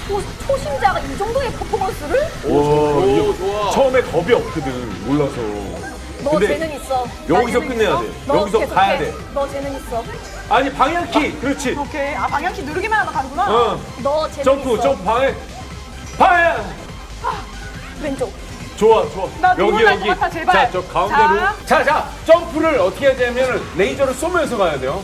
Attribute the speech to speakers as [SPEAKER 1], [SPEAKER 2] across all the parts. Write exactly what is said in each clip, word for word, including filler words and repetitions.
[SPEAKER 1] 초, 초심자가 이 정도의 퍼포먼스를?
[SPEAKER 2] 오, 오 좋아. 처음에 겁이 없거든, 몰라서.
[SPEAKER 1] 너
[SPEAKER 2] 근데
[SPEAKER 1] 재능 있어.
[SPEAKER 2] 여기서 끝내야 있어? 돼.
[SPEAKER 1] 너
[SPEAKER 2] 여기서
[SPEAKER 1] 계속해.
[SPEAKER 2] 가야 돼.
[SPEAKER 1] 너 재능 있어.
[SPEAKER 2] 아니, 방향키. 그렇지.
[SPEAKER 3] 오케이. 아, 방향키 누르기만 하면 가는구나.
[SPEAKER 2] 어.
[SPEAKER 1] 너 재능
[SPEAKER 2] 점프,
[SPEAKER 1] 있어.
[SPEAKER 2] 점프, 방향. 방향.
[SPEAKER 1] 왼쪽.
[SPEAKER 2] 좋아, 좋아.
[SPEAKER 3] 나
[SPEAKER 2] 여기,
[SPEAKER 3] 눈물 날
[SPEAKER 2] 여기.
[SPEAKER 3] 것 같아, 제발.
[SPEAKER 2] 자, 저 가운데로.
[SPEAKER 3] 자.
[SPEAKER 2] 자, 자. 점프를 어떻게 해야 되냐면 레이저를 쏘면서 가야 돼요.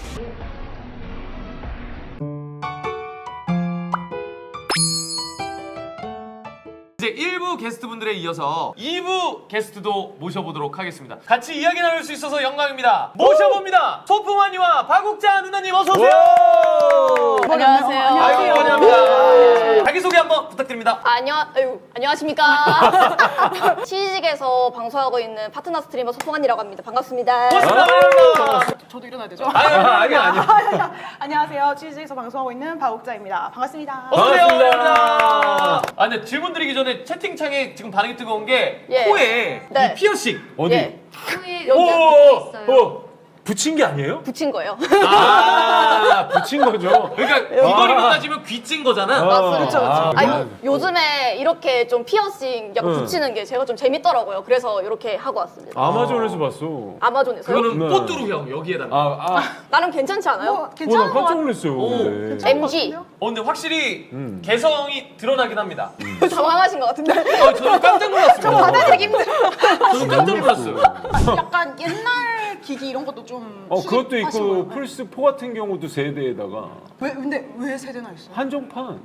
[SPEAKER 4] 이제 일 부 게스트분들에 이어서 이 부 게스트도 모셔보도록 하겠습니다. 같이 이야기 나눌 수 있어서 영광입니다. 모셔봅니다. 소풍환이와 박욱자 누나님 어서 오세요.
[SPEAKER 1] 안녕하세요.
[SPEAKER 4] 아이고 환영합니다. 자기소개 한번 부탁드립니다.
[SPEAKER 5] 안녕, 아유, 안녕하십니까. 치즈직에서 방송하고 있는 파트너 스트리머 소풍환이라고 합니다. 반갑습니다.
[SPEAKER 4] 고맙습니다. 반갑습니다.
[SPEAKER 3] 저도 일어나야 되죠?
[SPEAKER 4] 아니, 아니, 아니, 아니.
[SPEAKER 3] 안녕하세요. 치즈에서 방송하고 있는 박옥자입니다. 반갑습니다.
[SPEAKER 4] 어서오세요.
[SPEAKER 2] 반갑습니다.
[SPEAKER 4] 아, 근데 질문 드리기 전에 채팅창에 지금 반응이 뜨거운 게
[SPEAKER 5] 예.
[SPEAKER 4] 코에
[SPEAKER 5] 네.
[SPEAKER 4] 이 피어싱.
[SPEAKER 2] 어디?
[SPEAKER 5] 예.
[SPEAKER 4] 오,
[SPEAKER 5] 여기
[SPEAKER 4] 오, 오.
[SPEAKER 2] 붙인 게 아니에요?
[SPEAKER 5] 붙인 거예요.
[SPEAKER 2] 아, 붙인 거죠.
[SPEAKER 4] 그러니까 귀걸이로 따지면 귀찐 거잖아.
[SPEAKER 2] 아,
[SPEAKER 5] 그렇죠,
[SPEAKER 2] 아,
[SPEAKER 5] 아,
[SPEAKER 2] 아,
[SPEAKER 5] 요, 요즘에 이렇게 좀 피어싱 약간
[SPEAKER 2] 응.
[SPEAKER 5] 붙이는 게 제가 좀 재밌더라고요. 그래서 이렇게 하고 왔습니다.
[SPEAKER 2] 아마존에서 봤어.
[SPEAKER 5] 아마존에서요?
[SPEAKER 4] 그거는
[SPEAKER 2] 네.
[SPEAKER 4] 뽀뚜루형 여기에다가.
[SPEAKER 2] 아, 아.
[SPEAKER 5] 나름 괜찮지 않아요?
[SPEAKER 3] 뭐,
[SPEAKER 2] 어, 나
[SPEAKER 3] 괜찮은 것
[SPEAKER 2] 깜짝
[SPEAKER 3] 같아요.
[SPEAKER 2] 놀랐어요.
[SPEAKER 4] 오.
[SPEAKER 2] 근데.
[SPEAKER 5] 엠지.
[SPEAKER 4] 어, 근데 확실히
[SPEAKER 2] 음.
[SPEAKER 4] 개성이 드러나긴 합니다.
[SPEAKER 5] 당황하신 것 같은데.
[SPEAKER 4] 어, 저는 깜짝 놀랐습니다.
[SPEAKER 5] 받아들이기 힘들어.
[SPEAKER 4] 저는 깜짝 놀랐어요.
[SPEAKER 3] 약간 옛날 기기 이런 것도 좀
[SPEAKER 2] 어, 그것도
[SPEAKER 3] 수집하신
[SPEAKER 2] 있고
[SPEAKER 3] 거예요?
[SPEAKER 2] 플스 사 같은 경우도 세대에다가
[SPEAKER 3] 왜 근데 왜 세대나 있어?
[SPEAKER 2] 한정판.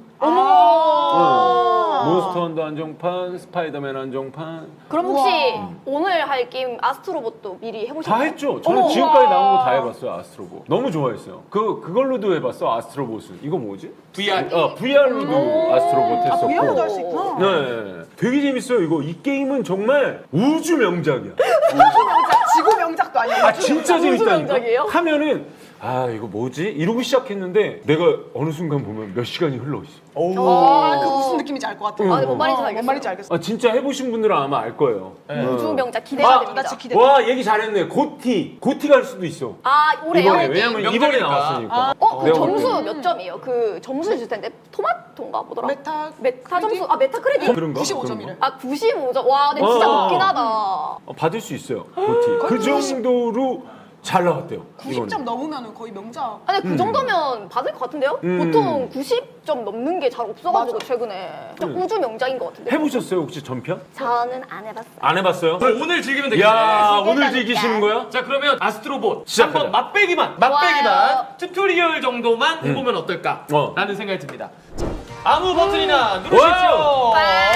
[SPEAKER 3] 아.
[SPEAKER 2] 응. 몬스터 헌터 한정판, 스파이더맨 한정판
[SPEAKER 5] 그럼 혹시
[SPEAKER 3] 우와.
[SPEAKER 5] 오늘 할 게임 아스트로봇도 미리
[SPEAKER 2] 다
[SPEAKER 5] 해보셨나요?
[SPEAKER 2] 했죠. 저는
[SPEAKER 3] 어머,
[SPEAKER 2] 지금까지
[SPEAKER 3] 우와.
[SPEAKER 2] 나온 거 다 해봤어요. 아스트로봇. 너무 좋아했어요. 그 그걸로도 해봤어. 아스트로봇은. 이거 뭐지?
[SPEAKER 4] 브이알.
[SPEAKER 2] 어, 브이알로도 아스트로봇
[SPEAKER 3] 아,
[SPEAKER 2] 했었고.
[SPEAKER 3] 브이알로도 할 수 있구나.
[SPEAKER 2] 네, 되게 재밌어요. 이거 이 게임은 정말 우주 명작이야.
[SPEAKER 3] 명작, 지구 명작도 아니야.
[SPEAKER 2] 아 진짜
[SPEAKER 5] 우주
[SPEAKER 2] 재밌다니까.
[SPEAKER 5] 명작이에요?
[SPEAKER 2] 하면은 아 이거 뭐지? 이러고 시작했는데 내가 어느 순간 보면 몇 시간이 흘러 있어.
[SPEAKER 3] 아, 그 무슨 느낌인지 알 것 같아.
[SPEAKER 5] 아, 네, 뭔 말인지
[SPEAKER 3] 어,
[SPEAKER 5] 알겠어요.
[SPEAKER 3] 뭔 말인지 알겠어.
[SPEAKER 2] 아 진짜 해보신 분들은 아마 알 거예요.
[SPEAKER 5] 우주
[SPEAKER 2] 어.
[SPEAKER 5] 명작 기대가
[SPEAKER 2] 아,
[SPEAKER 5] 됩니다.
[SPEAKER 3] 나 진짜 기대.
[SPEAKER 2] 와 얘기 잘했네. 고티 고티 갈 수도 있어.
[SPEAKER 5] 아, 올해요?
[SPEAKER 2] 이번에 왜냐면 이번에
[SPEAKER 4] 명작이니까.
[SPEAKER 2] 나왔으니까.
[SPEAKER 5] 어, 그
[SPEAKER 2] 내가
[SPEAKER 5] 점수
[SPEAKER 2] 볼
[SPEAKER 5] 몇 점이에요? 그 점수 주실 텐데 토마토인가 뭐더라?
[SPEAKER 3] 메타
[SPEAKER 5] 메타
[SPEAKER 3] 크레딧?
[SPEAKER 5] 점수 아 메타 크레딧.
[SPEAKER 2] 때. 그런가?
[SPEAKER 3] 구십오 점이래.
[SPEAKER 5] 아 구십오 점. 와, 근데 진짜
[SPEAKER 2] 어.
[SPEAKER 5] 높긴 하다.
[SPEAKER 2] 어, 받을 수 있어요. 고티. 그 정도로 잘 나왔대요.
[SPEAKER 3] 구십 점 넘으면 거의 명작.
[SPEAKER 5] 아니 그 정도면 받을 것 같은데요?
[SPEAKER 2] 음.
[SPEAKER 5] 보통 구십 점 넘는 게 잘 없어가지고
[SPEAKER 3] 맞아.
[SPEAKER 5] 최근에 그냥
[SPEAKER 2] 음.
[SPEAKER 5] 우주 명작인 것 같은데.
[SPEAKER 2] 해보셨어요 혹시 전편?
[SPEAKER 5] 저는 안 해봤어요.
[SPEAKER 2] 안 해봤어요?
[SPEAKER 4] 그럼 오늘 즐기면 되겠네.
[SPEAKER 2] 야 오늘
[SPEAKER 5] 즐긴다니까.
[SPEAKER 2] 즐기시는 거야?
[SPEAKER 4] 자, 그러면 아스트로봇
[SPEAKER 2] 시작하자.
[SPEAKER 4] 한번 맛배기만, 맛배기만
[SPEAKER 5] 좋아요.
[SPEAKER 4] 튜토리얼 정도만 해보면 어떨까?
[SPEAKER 2] 어.
[SPEAKER 4] 라는 생각이 듭니다. 자, 아무 버튼이나 누르십시오.
[SPEAKER 2] 와우.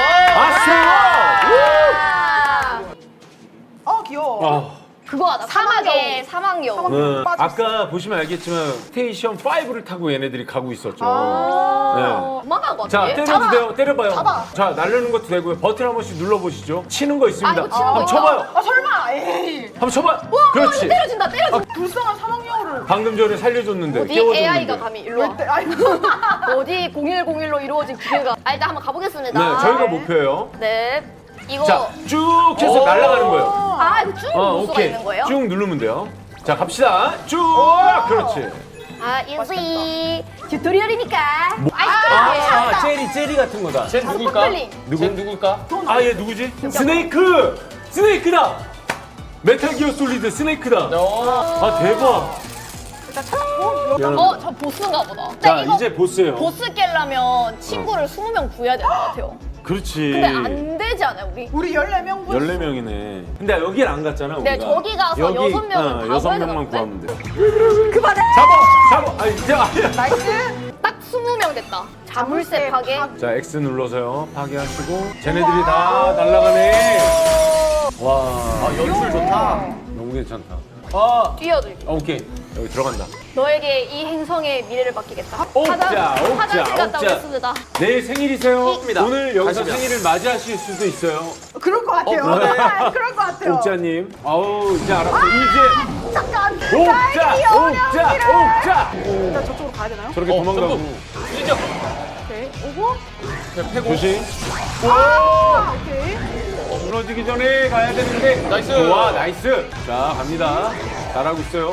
[SPEAKER 5] 아,
[SPEAKER 3] 어, 귀여워.
[SPEAKER 2] 아.
[SPEAKER 5] 그거 하다. 사막의 사막 여우.
[SPEAKER 2] 네.
[SPEAKER 3] 빠졌어.
[SPEAKER 2] 아까 보시면 알겠지만 스테이션 오를 타고 얘네들이 가고 있었죠.
[SPEAKER 5] 아, 만한 것
[SPEAKER 2] 자,
[SPEAKER 5] 같은데.
[SPEAKER 2] 때려도 돼요. 때려봐요.
[SPEAKER 3] 잡아.
[SPEAKER 2] 자, 날르는 것도 되고요. 버튼 한 번씩 눌러보시죠. 치는 거 있습니다.
[SPEAKER 5] 아, 이거 치는 거
[SPEAKER 2] 한번
[SPEAKER 5] 있다.
[SPEAKER 2] 쳐봐요.
[SPEAKER 3] 아, 설마. 에이.
[SPEAKER 2] 한번 쳐봐요. 그렇지.
[SPEAKER 5] 때려진다, 때려진다.
[SPEAKER 3] 불쌍한 사막여우를.
[SPEAKER 2] 방금 전에 살려줬는데.
[SPEAKER 5] 어디
[SPEAKER 2] 깨워줬는데.
[SPEAKER 5] 에이아이가 감히 일로 와.
[SPEAKER 3] 때, 아이고.
[SPEAKER 5] 어디 공일공일로 이루어진 기계가. 아, 일단 한번 가보겠습니다.
[SPEAKER 2] 네, 저희가 목표예요.
[SPEAKER 5] 네. 이거.
[SPEAKER 2] 자, 쭉 해서
[SPEAKER 4] 오.
[SPEAKER 2] 날아가는 거예요.
[SPEAKER 5] 아, 이거 쭉
[SPEAKER 2] 어,
[SPEAKER 5] 누를 수가
[SPEAKER 2] 오케이.
[SPEAKER 5] 있는 거예요?
[SPEAKER 2] 쭉 누르면 돼요. 자, 갑시다. 쭉. 그렇지.
[SPEAKER 5] 아, 이지 튜토리얼이니까.
[SPEAKER 2] 아,
[SPEAKER 5] 아이스크림.
[SPEAKER 2] 젤리, 젤리 같은 거다.
[SPEAKER 4] 쟨 누굴까?
[SPEAKER 5] 스파클링.
[SPEAKER 2] 누구?
[SPEAKER 4] 쟨 누굴까?
[SPEAKER 2] 아, 얘 누구지? 스네이크! 스네이크다! 메탈 기어 솔리드 스네이크다.
[SPEAKER 4] 어.
[SPEAKER 2] 아, 대박. 미안합니다.
[SPEAKER 5] 어, 저 보스인가 보다. 근데
[SPEAKER 2] 자,
[SPEAKER 5] 이거
[SPEAKER 2] 이제 보스예요.
[SPEAKER 5] 보스 깰려면 친구를 스무 명 구해야 될 것 같아요.
[SPEAKER 2] 그렇지.
[SPEAKER 5] 근데 안 되지 않아요, 우리?
[SPEAKER 3] 우리 열네 명 분.
[SPEAKER 2] 열네 명이네. 근데 여길 안 갔잖아, 우리가.
[SPEAKER 5] 네, 저기 가서 여섯 명은 다
[SPEAKER 2] 여섯
[SPEAKER 5] 구해야
[SPEAKER 2] 명만
[SPEAKER 5] 되는데?
[SPEAKER 2] 구하면 돼.
[SPEAKER 5] 그만해!
[SPEAKER 2] 잡아! 잡아! 아니, 이제 아니야.
[SPEAKER 3] 나이스.
[SPEAKER 5] 딱 스무 명 됐다. 자물쇠 파괴.
[SPEAKER 2] 자, X 눌러서요. 파괴하시고. 쟤네들이 다 날아가네. 와.
[SPEAKER 4] 아, 연출 좋다.
[SPEAKER 2] 너무 괜찮다.
[SPEAKER 4] 아,
[SPEAKER 5] 뛰어들기.
[SPEAKER 2] 어, 오케이. 여기 들어간다.
[SPEAKER 5] 너에게 이 행성의 미래를 맡기겠다.
[SPEAKER 2] 옥자,
[SPEAKER 5] 화장-
[SPEAKER 2] 옥자,
[SPEAKER 5] 화장실 갔다
[SPEAKER 2] 옥자.
[SPEAKER 5] 오겠습니다.
[SPEAKER 2] 내일 생일이세요.
[SPEAKER 4] 입니다.
[SPEAKER 2] 오늘 여기서
[SPEAKER 4] 가시죠.
[SPEAKER 2] 생일을 맞이하실 수도 있어요.
[SPEAKER 3] 그럴 것 같아요.
[SPEAKER 4] 어, 그러네.
[SPEAKER 3] 그럴 것 같아요.
[SPEAKER 2] 옥자님. 아우, 이제 알았어. 이제.
[SPEAKER 3] 잠깐.
[SPEAKER 2] 옥자! 옥자! 옥자!
[SPEAKER 3] 일단 저쪽으로 가야 되나요?
[SPEAKER 2] 저렇게
[SPEAKER 4] 어,
[SPEAKER 2] 도망가고.
[SPEAKER 4] 점프. 진짜.
[SPEAKER 3] 오케이. 오고.
[SPEAKER 4] 그냥 패고.
[SPEAKER 2] 조심.
[SPEAKER 3] 아, 오케이.
[SPEAKER 2] 무너지기 전에 가야 되는데.
[SPEAKER 4] 나이스.
[SPEAKER 2] 좋아, 나이스. 자, 갑니다. 잘하고 있어요.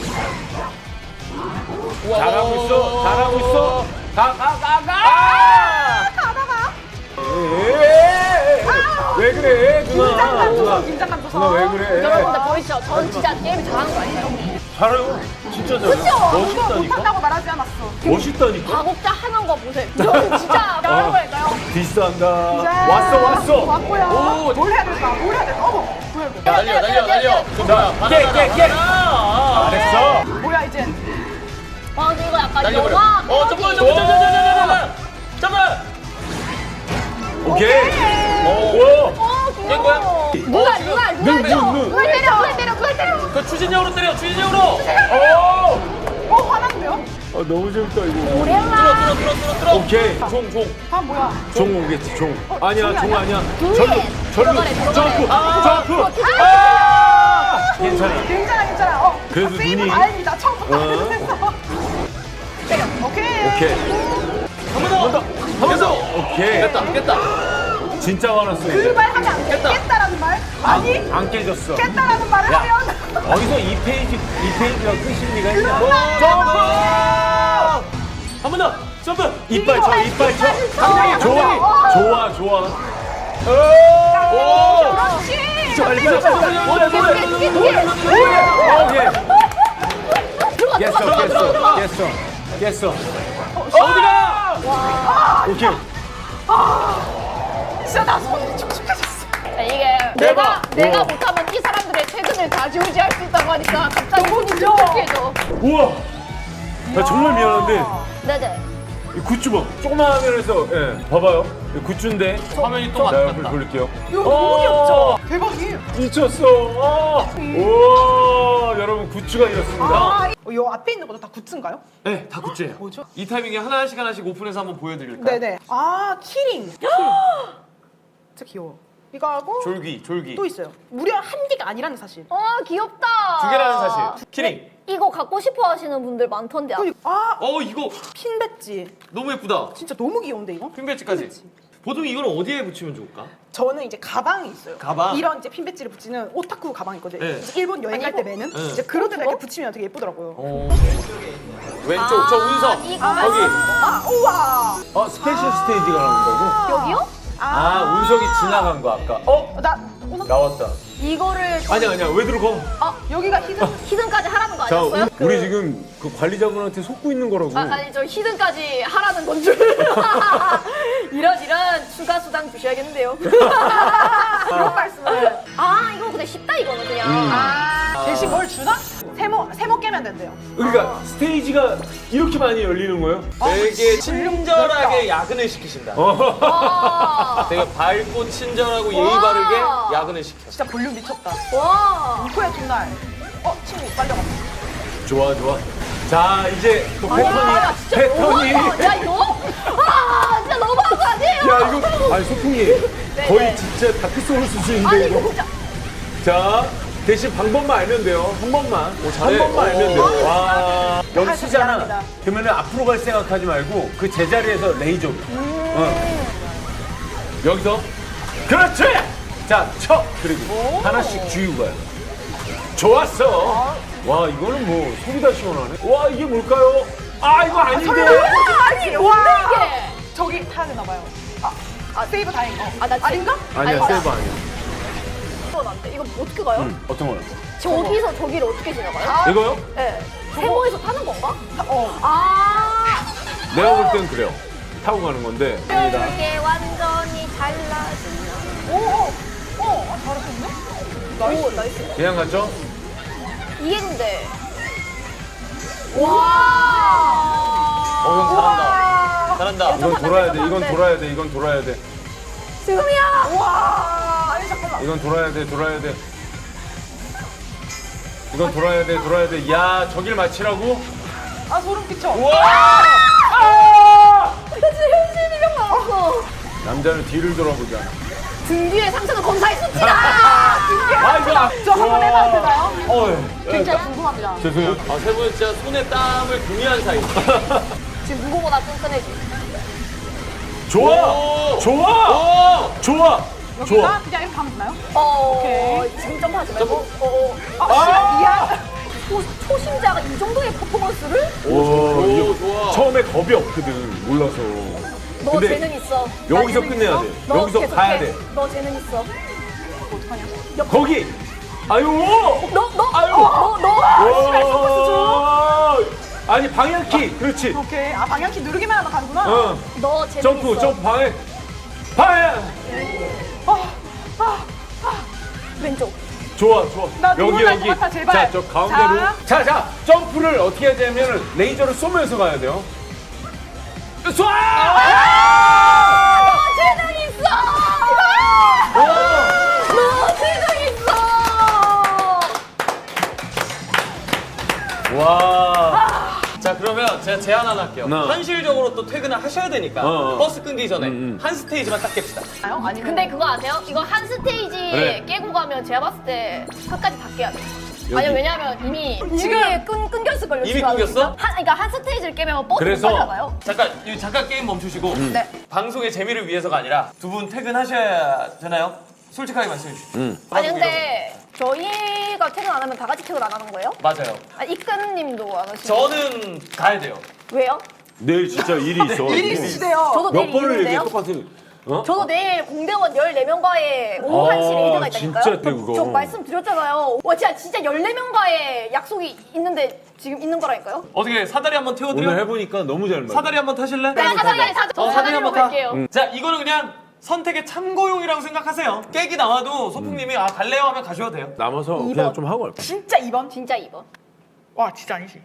[SPEAKER 4] 우와.
[SPEAKER 2] 잘하고 있어. 잘하고 있어. 가, 가, 가, 가! 누나.
[SPEAKER 3] 긴장감 줘서.
[SPEAKER 2] 누나 왜 그래?
[SPEAKER 5] 여러분들 보이시죠? 전 진짜 게임 잘하는 거 아니에요?
[SPEAKER 2] 잘해요. 진짜 잘해.
[SPEAKER 3] 그쵸? 이거
[SPEAKER 2] 멋있다니까.
[SPEAKER 3] 못한다고 말하지 않았어.
[SPEAKER 2] 멋있다니까.
[SPEAKER 5] 가곡자 하는 거 보세요. 이거 진짜 잘하는 거니까요.
[SPEAKER 2] 비싼다.
[SPEAKER 3] 이제
[SPEAKER 2] 왔어 왔어.
[SPEAKER 3] 왔고요.
[SPEAKER 4] 오.
[SPEAKER 3] 뭘 해야 될까? 뭘 해야 될까? 어머, 뭐야 이거?
[SPEAKER 4] 날려 날려 날려.
[SPEAKER 2] 자, 깨, 깨, 깨. 잘했어.
[SPEAKER 3] 뭐야 이제?
[SPEAKER 5] 와 근데 이거 약간
[SPEAKER 4] 날려버려.
[SPEAKER 5] 영화
[SPEAKER 4] 어 점프 점프 점프 점프 점프 점프.
[SPEAKER 2] 오케이. 오.
[SPEAKER 4] 깬 거야?
[SPEAKER 5] 누가 누가 누가
[SPEAKER 2] 눈,
[SPEAKER 5] 때려
[SPEAKER 2] 눈, 눈.
[SPEAKER 5] 누가 때려 누가 때려 누가 때려
[SPEAKER 4] 그 추진력으로 때려 추진력으로.
[SPEAKER 2] 오.
[SPEAKER 3] 어 화났는데요?
[SPEAKER 2] 아 너무 재밌다 이거.
[SPEAKER 4] 들어
[SPEAKER 5] 오렐라
[SPEAKER 4] 들어 들어 들어 들어.
[SPEAKER 2] 오케이.
[SPEAKER 4] 종 종.
[SPEAKER 3] 아 뭐야?
[SPEAKER 2] 종 오겠지 종. 아니야
[SPEAKER 3] 종이
[SPEAKER 2] 종
[SPEAKER 3] 아니야?
[SPEAKER 2] 아니야.
[SPEAKER 5] 둘이
[SPEAKER 2] 절로 절로
[SPEAKER 5] 들어가래, 들어가래.
[SPEAKER 2] 점프
[SPEAKER 4] 아,
[SPEAKER 2] 점프. 아! 괜찮아.
[SPEAKER 3] 괜찮아 괜찮아. 어.
[SPEAKER 2] 그래도
[SPEAKER 3] 어, 세이브
[SPEAKER 2] 눈이-
[SPEAKER 3] 다행이다. 처음부터
[SPEAKER 2] 어.
[SPEAKER 3] 했어. 때려. 오케이.
[SPEAKER 2] 오케이.
[SPEAKER 4] 한 번 더. 한 번 더.
[SPEAKER 2] 오케이.
[SPEAKER 4] 깼다 깼다.
[SPEAKER 2] 진짜 화났어
[SPEAKER 3] 그
[SPEAKER 2] 이제.
[SPEAKER 3] 말 하면 안 돼.
[SPEAKER 4] 깼다.
[SPEAKER 3] 깼다라는 말? 아니
[SPEAKER 2] 안 깨졌어.
[SPEAKER 3] 깼다라는 말을
[SPEAKER 2] 야.
[SPEAKER 3] 하면
[SPEAKER 2] 어디서 이 페이지 이 페이지가 끝일 리가 있냐?
[SPEAKER 4] 점프. 한 번 더. 점프.
[SPEAKER 2] 이빨 쳐 이빨 쳐.
[SPEAKER 3] 당장이야,
[SPEAKER 2] 좋아 좋아 좋아.
[SPEAKER 4] 오.
[SPEAKER 3] 그렇지.
[SPEAKER 2] 빨리 빨리 빨리. 뭐야 뭐야. 오케이. 깼어 깼어 깼어 깼어.
[SPEAKER 4] 어디가?
[SPEAKER 2] 오케이.
[SPEAKER 3] 진짜 나 손이 촉촉해졌어.
[SPEAKER 5] 이게 내가
[SPEAKER 2] 대박.
[SPEAKER 5] 내가
[SPEAKER 2] 우와.
[SPEAKER 5] 못하면 이 사람들의 퇴근을 좌지우지할 수 있다고 하니까 갑자기
[SPEAKER 3] 너무
[SPEAKER 5] 손이
[SPEAKER 3] 귀여워.
[SPEAKER 5] 촉촉해져.
[SPEAKER 2] 우와. 나 정말 미안한데
[SPEAKER 5] 네네.
[SPEAKER 2] 이 굿즈 봐. 조그만 화면에서 예 봐봐요. 이 굿즈인데.
[SPEAKER 4] 화면이 또
[SPEAKER 2] 자
[SPEAKER 4] 바뀌었다.
[SPEAKER 2] 돌릴게요.
[SPEAKER 3] 이거 너무 귀엽죠? 대박이.
[SPEAKER 2] 미쳤어. 아. 우와 여러분 굿즈가 이렇습니다.
[SPEAKER 3] 아, 이- 어, 이 앞에 있는 것도 다 굿즈인가요?
[SPEAKER 4] 네, 다 굿즈예요.
[SPEAKER 3] 뭐죠?
[SPEAKER 4] 이 타이밍에 하나씩 하나씩 오픈해서 한번 보여드릴까요?
[SPEAKER 3] 네네. 아 키링. 진짜 귀여워. 이거 하고
[SPEAKER 4] 졸기, 졸기.
[SPEAKER 3] 또 있어요. 무려 한 개가 아니라는 사실.
[SPEAKER 5] 어 귀엽다.
[SPEAKER 4] 두 개라는 사실. 키링.
[SPEAKER 5] 이거 갖고 싶어 하시는 분들 많던데.
[SPEAKER 3] 그- 아
[SPEAKER 4] 어, 이거
[SPEAKER 3] 핀 배지.
[SPEAKER 4] 너무 예쁘다.
[SPEAKER 3] 진짜 너무 귀여운데 이거?
[SPEAKER 4] 핀 배지까지. 보통 이걸 어디에 붙이면 좋을까?
[SPEAKER 3] 저는 이제 가방이 있어요.
[SPEAKER 4] 가방?
[SPEAKER 3] 이런 이제 핀 배지를 붙이는 오타쿠 가방 있거든요.
[SPEAKER 4] 네.
[SPEAKER 3] 그래서 일본 여행 갈 때 매는
[SPEAKER 4] 네.
[SPEAKER 3] 이제 그런 데다 이렇게 붙이면 되게 예쁘더라고요.
[SPEAKER 4] 어. 왼쪽, 저 운석.
[SPEAKER 5] 이거
[SPEAKER 4] 거기.
[SPEAKER 3] 아 우와.
[SPEAKER 2] 어 스페셜 스테이지가 나온다고?
[SPEAKER 5] 여기요?
[SPEAKER 2] 아 운석이 지나간 거 아까. 어
[SPEAKER 3] 나 오늘
[SPEAKER 2] 나왔다.
[SPEAKER 5] 이거를
[SPEAKER 2] 아니야 아니야 왜 들어가?
[SPEAKER 3] 여기가 히든.
[SPEAKER 5] 히든까지 하라는 거
[SPEAKER 2] 자
[SPEAKER 5] 아니었어요?
[SPEAKER 2] 우, 우리 지금 그 관리자분한테 속고 있는 거라고.
[SPEAKER 5] 아, 아니 저 히든까지 하라는 건 줄. 이런 이런 추가 수당 주셔야겠는데요.
[SPEAKER 3] 그런 말씀을.
[SPEAKER 5] 아 이거 근데 쉽다 이거는 그냥.
[SPEAKER 2] 음.
[SPEAKER 3] 아 대신 뭘 주나? 세모 세모 깨면 된대요.
[SPEAKER 2] 그러니까 스테이지가 이렇게 많이 열리는 거예요?
[SPEAKER 4] 되게 친절하게 야근을 시키신다.
[SPEAKER 2] 어.
[SPEAKER 5] 와.
[SPEAKER 4] 되게 밝고 친절하고 예의
[SPEAKER 5] 와.
[SPEAKER 4] 바르게 야근을 시켜.
[SPEAKER 3] 진짜 볼륨 미쳤다.
[SPEAKER 5] 와.
[SPEAKER 3] 이거야 정말. 어 친구 빨려갔어.
[SPEAKER 2] 좋아 좋아. 자 이제 또
[SPEAKER 5] 와,
[SPEAKER 2] 패턴이
[SPEAKER 5] 진짜
[SPEAKER 2] 패턴이.
[SPEAKER 5] 너무하다. 야 이거? 아 진짜 너무한 거 아니에요?
[SPEAKER 2] 야 이거 아니 소풍이 거의 진짜 다크 소울 수준인데
[SPEAKER 5] 아니
[SPEAKER 2] 이거.
[SPEAKER 5] 이거 진짜.
[SPEAKER 2] 자 대신 방법만 알면 돼요. 한 번만. 한
[SPEAKER 4] 잘해.
[SPEAKER 2] 번만 알면
[SPEAKER 4] 오.
[SPEAKER 2] 돼요. 와 여기
[SPEAKER 3] 할수
[SPEAKER 2] 쓰잖아.
[SPEAKER 3] 미안합니다.
[SPEAKER 2] 그러면은 앞으로 갈 생각하지 말고 그 제자리에서 레이저. 어. 여기서 그렇지. 자 쳐. 그리고 하나씩 쥐고 가요. 좋았어. 와 이거는 뭐 속이 다 시원하네. 와 이게 뭘까요? 아 이거 아닌데.
[SPEAKER 3] 아니 와.
[SPEAKER 5] 이게.
[SPEAKER 3] 저기 타야 되나 봐요. 아, 아 세이브 다행이다.
[SPEAKER 5] 아, 나
[SPEAKER 3] 아닌가?
[SPEAKER 2] 아니야
[SPEAKER 5] 아니,
[SPEAKER 2] 세이브 아니야.
[SPEAKER 5] 이건 안 돼. 이거 어떻게 가요?
[SPEAKER 2] 응, 어떤 거요?
[SPEAKER 5] 저기서 저기를 어떻게 지나가요?
[SPEAKER 3] 아.
[SPEAKER 2] 이거요?
[SPEAKER 5] 네. 세모에서 타는 건가?
[SPEAKER 3] 어.
[SPEAKER 5] 아.
[SPEAKER 2] 내가 볼 땐 그래요. 타고 가는 건데.
[SPEAKER 5] 이게 완전히 달라진.
[SPEAKER 3] 오. 오. 어. 아, 잘하셨네.
[SPEAKER 5] 오 나이스.
[SPEAKER 2] 그냥 갔죠?
[SPEAKER 5] 이게 근데. 와.
[SPEAKER 4] 어, 형 잘한다. 잘한다.
[SPEAKER 2] 이건 돌아야 돼. 이건 돌아야 돼. 이건 돌아야 돼.
[SPEAKER 5] 지금이야.
[SPEAKER 3] 와. 아니 잠깐만.
[SPEAKER 2] 이건 돌아야 돼. 돌아야 돼. 이건 돌아야 돼. 돌아야 돼. 야, 저길 맞히라고?
[SPEAKER 3] 아 소름 끼쳐.
[SPEAKER 2] 와!
[SPEAKER 5] 나 지금 현실 비명 나왔어.
[SPEAKER 2] 남자는 뒤를 돌아보자.
[SPEAKER 5] 등 뒤에 상처는 검사했습니다.
[SPEAKER 2] 아, 이거 아-
[SPEAKER 3] 저 한번
[SPEAKER 2] 와.
[SPEAKER 3] 해봐도 되나요?
[SPEAKER 2] 어,
[SPEAKER 3] 진짜 궁금합니다.
[SPEAKER 2] 죄송해요.
[SPEAKER 4] 아, 세 분은 진짜 손에 땀을 공유한 사이.
[SPEAKER 5] 지금 누구보다 끈끈해지.
[SPEAKER 2] 좋아!
[SPEAKER 4] 오!
[SPEAKER 2] 좋아!
[SPEAKER 4] 오!
[SPEAKER 2] 좋아!
[SPEAKER 3] 여기가
[SPEAKER 2] 좋아!
[SPEAKER 3] 그냥 이렇게 가면 되나요?
[SPEAKER 5] 어.
[SPEAKER 3] 오케이.
[SPEAKER 5] 지금 점프하지 말고. 어. 어.
[SPEAKER 3] 아,
[SPEAKER 2] 아!
[SPEAKER 3] 미안.
[SPEAKER 5] 초, 초심자가 이 정도의 퍼포먼스를?
[SPEAKER 2] 오,
[SPEAKER 4] 오,
[SPEAKER 2] 이거
[SPEAKER 4] 좋아.
[SPEAKER 2] 처음에 겁이 없거든. 몰라서.
[SPEAKER 5] 너
[SPEAKER 2] 근데
[SPEAKER 5] 재능 있어.
[SPEAKER 2] 여기서
[SPEAKER 5] 나 재능
[SPEAKER 2] 끝내야
[SPEAKER 5] 있어?
[SPEAKER 2] 돼.
[SPEAKER 5] 너
[SPEAKER 2] 여기서
[SPEAKER 5] 계속해.
[SPEAKER 2] 가야 돼.
[SPEAKER 5] 너 재능 있어.
[SPEAKER 3] 어떡하냐?
[SPEAKER 2] 거기. 아유.
[SPEAKER 1] 너, 너,
[SPEAKER 2] 아유.
[SPEAKER 1] 어, 너, 너.
[SPEAKER 2] 와. 아니 방향키. 그렇지.
[SPEAKER 3] 오케이. 아 방향키 누르기만 하면 가는구나.
[SPEAKER 2] 어.
[SPEAKER 1] 너 재능
[SPEAKER 2] 점프
[SPEAKER 1] 있어.
[SPEAKER 2] 점프 방향. 방향.
[SPEAKER 1] 왼쪽.
[SPEAKER 2] 좋아 좋아.
[SPEAKER 3] 나
[SPEAKER 2] 여기
[SPEAKER 3] 눈물 날것
[SPEAKER 2] 여기.
[SPEAKER 3] 같아, 제발.
[SPEAKER 2] 자 저 가운데로. 자 자 점프를 어떻게 해야 되냐면 레이저를 쏘면서 가야 돼요. 쏴!
[SPEAKER 1] 너 재능 있어. 너 재능 있어.
[SPEAKER 2] 와.
[SPEAKER 4] 자 그러면 제가 제안 하나 할게요.
[SPEAKER 2] 네.
[SPEAKER 4] 현실적으로 또 퇴근을 하셔야 되니까
[SPEAKER 2] 어, 어.
[SPEAKER 4] 버스 끊기 전에
[SPEAKER 2] 음, 음.
[SPEAKER 4] 한 스테이지만 딱 깹시다.
[SPEAKER 3] 아니
[SPEAKER 5] 근데 그거 아세요? 이거 한 스테이지
[SPEAKER 2] 그래.
[SPEAKER 5] 깨고 가면 제가 봤을 때 끝까지 다 깨야 돼.
[SPEAKER 2] 여기.
[SPEAKER 5] 아니 왜냐면 이미
[SPEAKER 1] 지금 끈 끊겼을걸요.
[SPEAKER 4] 이미
[SPEAKER 1] 지금 아직.
[SPEAKER 4] 끊겼어?
[SPEAKER 5] 한 그러니까 한 스테이지를 깨면 버스
[SPEAKER 2] 그래서-
[SPEAKER 5] 못 따라가요.
[SPEAKER 4] 잠깐 이 잠깐 게임 멈추시고
[SPEAKER 5] 네.
[SPEAKER 4] 방송의 재미를 위해서가 아니라 두 분 퇴근하셔야 되나요? 솔직하게 말씀해 주시죠.
[SPEAKER 2] 음.
[SPEAKER 5] 아니 근데 저희가 퇴근 안 하면 다 같이 퇴근 안 하는 거예요?
[SPEAKER 4] 맞아요.
[SPEAKER 5] 아, 이끈님도 안 하시고.
[SPEAKER 4] 저는 가야 돼요.
[SPEAKER 5] 왜요?
[SPEAKER 2] 내일 진짜 일이 있어.
[SPEAKER 3] 일이 있으시대요.
[SPEAKER 5] 저도
[SPEAKER 2] 몇
[SPEAKER 5] 내일
[SPEAKER 2] 번을 얘기해
[SPEAKER 5] 일인데요.
[SPEAKER 2] 똑같은. 어?
[SPEAKER 5] 저도 내일 공대원 열네 명과의 오후 한 시
[SPEAKER 2] 아,
[SPEAKER 5] 레이드가 있다니까요.
[SPEAKER 2] 진짜 그거.
[SPEAKER 5] 저 말씀드렸잖아요. 와 진짜 진짜 열네 명과의 약속이 있는데 지금 있는 거라니까요.
[SPEAKER 4] 어떻게 사다리 한번 태워드려?
[SPEAKER 2] 오늘 해보니까 너무 잘 맞아.
[SPEAKER 4] 사다리 한번 타실래?
[SPEAKER 5] 네, 사다리 사, 저
[SPEAKER 4] 어, 사다리
[SPEAKER 5] 사다리로
[SPEAKER 4] 한번 타.
[SPEAKER 5] 갈게요.
[SPEAKER 4] 자 이거는 그냥 선택의 참고용이라고 생각하세요. 깨기 나와도 소풍님이 아 갈래요 하면 가셔도 돼요.
[SPEAKER 2] 남아서
[SPEAKER 5] 이
[SPEAKER 2] 그냥
[SPEAKER 5] 번.
[SPEAKER 2] 좀 하고 갈까?
[SPEAKER 3] 진짜 이 번?
[SPEAKER 5] 진짜 이번.
[SPEAKER 3] 와 진짜 아니지.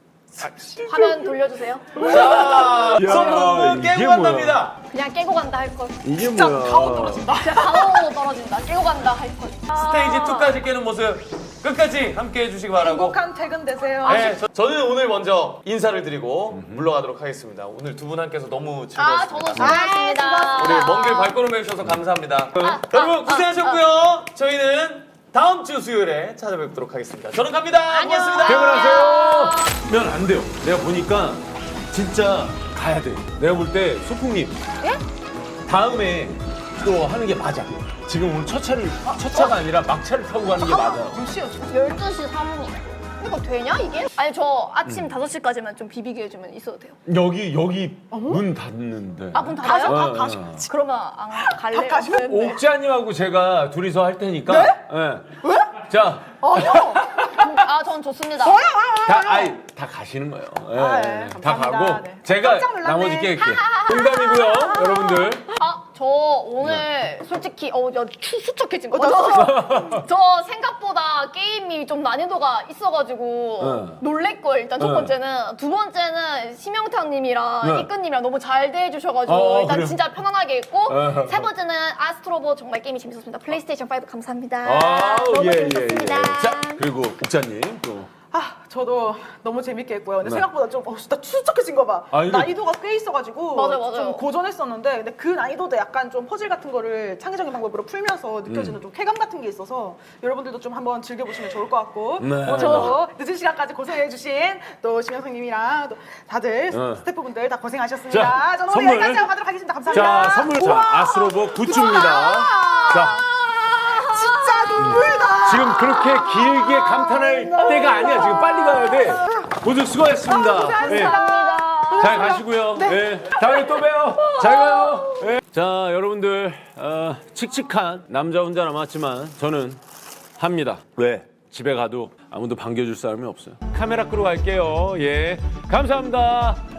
[SPEAKER 5] 화면 돌려주세요.
[SPEAKER 4] 자
[SPEAKER 2] 야,
[SPEAKER 4] 소풍은
[SPEAKER 2] 이게
[SPEAKER 4] 깨고 간답니다.
[SPEAKER 5] 그냥 깨고 간다 할 걸.
[SPEAKER 2] 이게
[SPEAKER 3] 진짜
[SPEAKER 2] 뭐야?
[SPEAKER 3] 가오 떨어진다.
[SPEAKER 5] 진짜 가오로 떨어진다. 깨고 간다 할 걸.
[SPEAKER 4] 스테이지 이까지 깨는 모습 끝까지 함께 해주시기 바라고.
[SPEAKER 3] 행복한 퇴근 되세요.
[SPEAKER 4] 네, 저, 저는 오늘 먼저 인사를 드리고 물러가도록 하겠습니다. 오늘 두 분 함께서 너무
[SPEAKER 5] 아
[SPEAKER 4] 즐거웠습니다.
[SPEAKER 5] 저도 수고하셨습니다.
[SPEAKER 4] 우리 먼 길 발걸음해 주셔서 감사합니다.
[SPEAKER 5] 아,
[SPEAKER 4] 여러분
[SPEAKER 5] 아,
[SPEAKER 4] 고생하셨고요. 저희는 다음 주 수요일에 찾아뵙도록 하겠습니다. 저는 갑니다.
[SPEAKER 5] 안녕.
[SPEAKER 4] 고맙습니다.
[SPEAKER 2] 퇴근하세요. 면 안 돼요. 내가 보니까 진짜 가야 돼. 내가 볼 때 소풍님. 다음에 또 하는 게 맞아. 지금 오늘 첫 차를 첫 차가 아니라 막차를 타고 가는 게 맞아.
[SPEAKER 3] 몇 시요 지금?
[SPEAKER 5] 열두 시 삼 분이네. 이거 되냐 이게? 아니 저 아침 다섯 시까지만 좀 비비게 해주면 있어도 돼요.
[SPEAKER 2] 여기 여기 문 닫는데.
[SPEAKER 5] 아 문 닫아요?
[SPEAKER 2] 어,
[SPEAKER 3] 다
[SPEAKER 2] 어.
[SPEAKER 5] 그러면 안 갈래요.
[SPEAKER 3] 다 가시면?
[SPEAKER 5] 네.
[SPEAKER 2] 옥자님하고 제가 둘이서 할 테니까. 네?
[SPEAKER 3] 왜?
[SPEAKER 2] 자,
[SPEAKER 3] 아니요.
[SPEAKER 5] 아 전 좋습니다.
[SPEAKER 3] 아니요.
[SPEAKER 2] 다 아이 다 가시는 거예요. 예,
[SPEAKER 3] 아, 네.
[SPEAKER 2] 다
[SPEAKER 3] 감사합니다.
[SPEAKER 2] 가고
[SPEAKER 3] 네.
[SPEAKER 2] 제가
[SPEAKER 3] 깜짝 놀랐네.
[SPEAKER 2] 나머지 깰게. 농담이고요, 여러분들.
[SPEAKER 5] 아, 저 오늘 솔직히 어, 야, 추, 수척해진 거. 저, 저 생각보다 게임이 좀 난이도가 있어가지고
[SPEAKER 2] 응.
[SPEAKER 5] 놀랬걸 일단 첫
[SPEAKER 2] 응.
[SPEAKER 5] 번째는. 두 번째는 심영탁님이랑
[SPEAKER 2] 응.
[SPEAKER 5] 이끈님이랑 너무 잘 대해주셔가지고
[SPEAKER 2] 어,
[SPEAKER 5] 일단
[SPEAKER 2] 그래요?
[SPEAKER 5] 진짜 편안하게 했고
[SPEAKER 2] 어.
[SPEAKER 5] 세 번째는 아스트로보 정말 게임이 재밌었습니다. 플레이스테이션 오 감사합니다.
[SPEAKER 2] 아우,
[SPEAKER 5] 너무
[SPEAKER 2] 예, 예, 예.
[SPEAKER 5] 재밌었습니다.
[SPEAKER 2] 자, 그리고 옥자님 또.
[SPEAKER 3] 아 저도 너무 재밌게 했고요. 근데
[SPEAKER 2] 네.
[SPEAKER 3] 생각보다 좀 어, 나 추적해진 거 봐.
[SPEAKER 2] 아, 이거-
[SPEAKER 3] 난이도가 꽤 있어가지고
[SPEAKER 5] 맞아요, 맞아요.
[SPEAKER 3] 좀 고전했었는데 근데 그 난이도도 약간 좀 퍼즐 같은 거를 창의적인 방법으로 풀면서 느껴지는
[SPEAKER 2] 음.
[SPEAKER 3] 좀 쾌감 같은 게 있어서 여러분들도 좀 한번 즐겨보시면 좋을 것 같고
[SPEAKER 2] 네.
[SPEAKER 3] 오늘도 늦은 시간까지 고생해주신 또 심영성님이랑 또 다들
[SPEAKER 2] 네.
[SPEAKER 3] 스태프분들 다 고생하셨습니다.
[SPEAKER 2] 자,
[SPEAKER 3] 저는 오늘
[SPEAKER 2] 선물.
[SPEAKER 3] 여기까지 하고 가도록 하겠습니다. 감사합니다.
[SPEAKER 2] 자, 선물 자,
[SPEAKER 3] 우와!
[SPEAKER 2] 아스트로보 굿즈입니다. 자,
[SPEAKER 3] 진짜 눈물다.
[SPEAKER 2] 지금 그렇게 길게 감탄할 때가 아니야. 지금 빨리 가야 돼. 모두 수고하셨습니다.
[SPEAKER 3] 아, 고생하셨습니다.
[SPEAKER 5] 감사합니다.
[SPEAKER 2] 잘 가시고요. 네. 다음에 또 봬요. 잘 가요. 네. 자, 여러분들 어, 칙칙한 남자 혼자 남았지만 저는 합니다. 왜? 집에 가도 아무도 반겨줄 사람이 없어요. 카메라 끄러 갈게요. 예, 감사합니다.